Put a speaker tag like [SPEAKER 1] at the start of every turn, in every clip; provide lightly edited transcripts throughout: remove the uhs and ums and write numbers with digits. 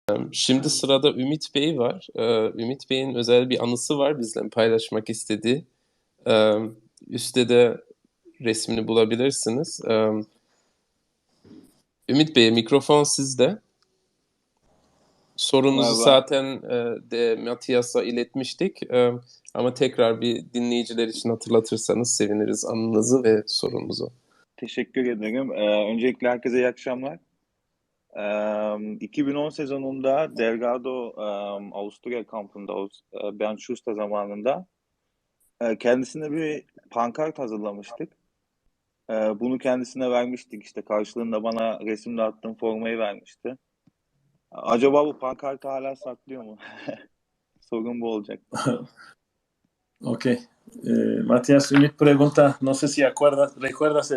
[SPEAKER 1] Şimdi sırada Ümit Bey var. Ümit Bey'in özel bir anısı var bizle paylaşmak istediği. Ee, Üstte de resmini bulabilirsiniz. Ümit Bey, mikrofon sizde. Sorunuzu
[SPEAKER 2] Merhaba.
[SPEAKER 1] zaten de Matias'a iletmiştik. Ama tekrar bir dinleyiciler için hatırlatırsanız seviniriz anınızı ve sorunuzu.
[SPEAKER 2] Teşekkür ederim. Öncelikle herkese iyi akşamlar. 2010 sezonunda Delgado Avusturya kampında Ben Schuster zamanında kendisine bir pankart hazırlamıştık. Bunu kendisine vermiştik. İşte karşılığında bana resimle attığım formayı vermişti. Acaba bu pankartı hala saklıyor mu? Sorun bu olacak.
[SPEAKER 3] Ok. Matías, Ümit pregunta, no sé si recuerdas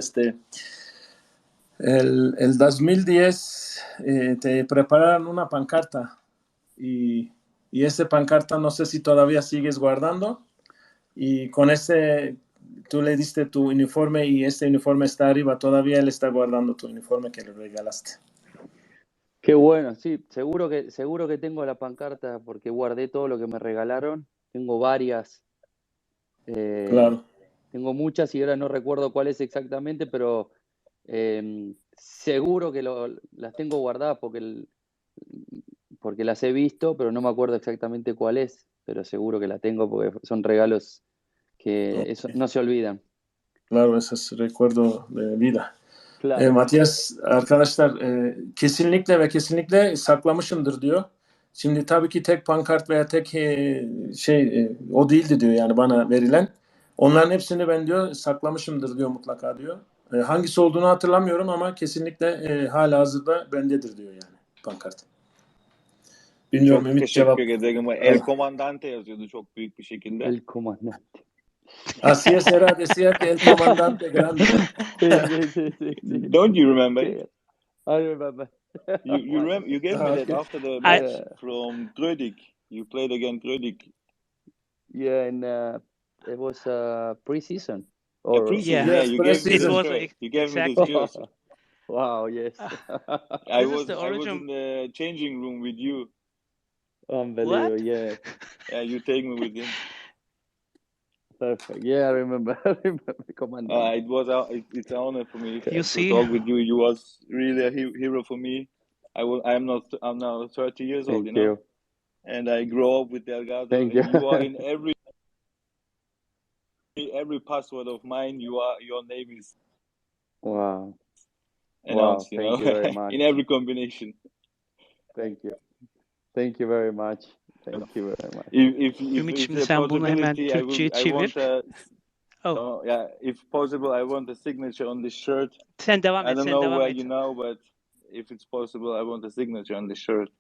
[SPEAKER 3] el 2010 te prepararon una pancarta y ese pancarta no sé si todavía sigues guardando y con ese tú le diste tu uniforme y este uniforme está arriba, todavía él está guardando tu uniforme que le regalaste.
[SPEAKER 4] Qué bueno, sí, seguro que tengo la pancarta porque guardé todo lo que me regalaron. Tengo varias.
[SPEAKER 3] Claro.
[SPEAKER 4] Tengo muchas y ahora no recuerdo cuál es exactamente, pero seguro que las tengo guardadas porque las he visto, pero no me acuerdo exactamente cuál es, pero seguro que la tengo porque son regalos que
[SPEAKER 3] Okay.
[SPEAKER 4] no se olvidan.
[SPEAKER 3] Claro, ese es recuerdo de vida.
[SPEAKER 4] Claro.
[SPEAKER 3] Matias, arkadaşlar kesinlikle ve kesinlikle saklamışımdır diyor. Şimdi tabii ki tek pankart veya tek o değildi diyor yani bana verilen. Onların hepsini ben diyor saklamışımdır diyor mutlaka diyor. Hangisi olduğunu hatırlamıyorum ama kesinlikle hala hazırda bendedir diyor yani pankart. Bilmiyorum
[SPEAKER 2] Çok
[SPEAKER 3] Ümit
[SPEAKER 2] teşekkür
[SPEAKER 3] cevap.
[SPEAKER 2] ederim. El Comandante yazıyordu çok büyük bir şekilde.
[SPEAKER 4] El Comandante.
[SPEAKER 3] Así es, era, decía que el comandante grande.
[SPEAKER 2] Don't you remember it?
[SPEAKER 4] I remember.
[SPEAKER 2] You remember? You gave me that after the match from Grödig. You played against Grödig.
[SPEAKER 4] Yeah, and it was pre-season.
[SPEAKER 2] Pre-season.
[SPEAKER 3] Yeah,
[SPEAKER 2] you gave me
[SPEAKER 3] pre-season.
[SPEAKER 2] this shirt. You gave me this jersey.
[SPEAKER 4] Wow, yes.
[SPEAKER 2] I was in the changing room with you.
[SPEAKER 4] Unbelievable,
[SPEAKER 5] What?
[SPEAKER 4] yeah.
[SPEAKER 2] Yeah, you take me with him.
[SPEAKER 4] Perfect. Yeah, I remember. Commander.
[SPEAKER 2] It's an honor for me
[SPEAKER 5] You
[SPEAKER 2] to
[SPEAKER 5] see?
[SPEAKER 2] talk with you. You was really a hero for me. I'm now 30 years old,
[SPEAKER 4] Thank you.
[SPEAKER 2] and I grew up with Delgado.
[SPEAKER 4] Thank you.
[SPEAKER 2] And you are in every password of mine. Your name is
[SPEAKER 4] Wow.
[SPEAKER 2] announced.
[SPEAKER 4] Wow, thank you very much.
[SPEAKER 2] In every combination.
[SPEAKER 4] Thank you. Thank you very much. Thank you very much.
[SPEAKER 2] If
[SPEAKER 5] Ümit,
[SPEAKER 2] it's
[SPEAKER 5] şimdi
[SPEAKER 2] a
[SPEAKER 5] sen bunu hemen
[SPEAKER 2] possibility,
[SPEAKER 5] Türkçe'ye çevir.
[SPEAKER 2] If possible, I want a signature on this shirt.
[SPEAKER 5] Sen devam et,
[SPEAKER 2] I don't
[SPEAKER 5] sen
[SPEAKER 2] know
[SPEAKER 5] devam
[SPEAKER 2] where
[SPEAKER 5] et.
[SPEAKER 2] you know, but if it's possible, I want a signature on this shirt.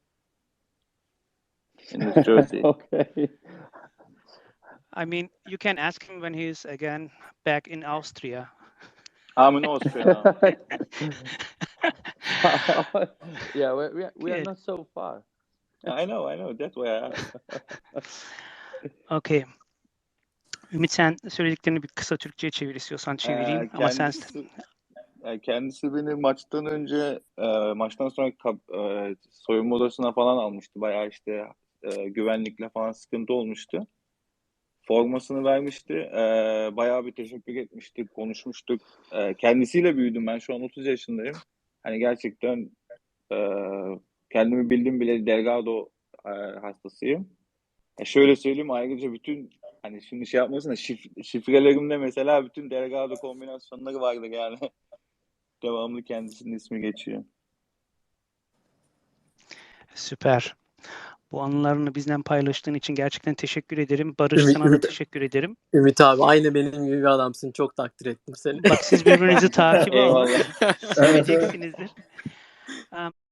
[SPEAKER 2] In this jersey.
[SPEAKER 4] Okay.
[SPEAKER 5] I mean, you can ask him when he's again back in Austria.
[SPEAKER 2] I'm in Austria now.
[SPEAKER 4] Yeah, we are not so far.
[SPEAKER 2] I know. That's why I asked.
[SPEAKER 5] Okay. Ümit, sen söylediklerini bir kısa Türkçe'ye çevir istiyorsan çevireyim. Ama sen...
[SPEAKER 2] Kendisi beni maçtan sonra soyunma odasına falan almıştı. Bayağı işte güvenlikle falan sıkıntı olmuştu. Formasını vermişti. Bayağı bir teşekkür etmiştik, konuşmuştuk. Kendisiyle büyüdüm. Ben şu an 30 yaşındayım. Hani gerçekten kendimi bildim bile Delgado hastasıyım. Şöyle söyleyeyim, ayrıca bütün hani şimdi şey yapmasın da şifrelerimde mesela bütün Delgado kombinasyonları vardı yani. Devamlı kendisinin ismi geçiyor.
[SPEAKER 5] Süper. Bu anılarını bizden paylaştığın için gerçekten teşekkür ederim. Barış, sana da teşekkür ederim.
[SPEAKER 6] Ümit abi aynı benim gibi bir adamsın. Çok takdir ettim seni.
[SPEAKER 5] Bak siz birbirinizi takibe alın.
[SPEAKER 2] Eyvallah.
[SPEAKER 5] Seveceksinizdir.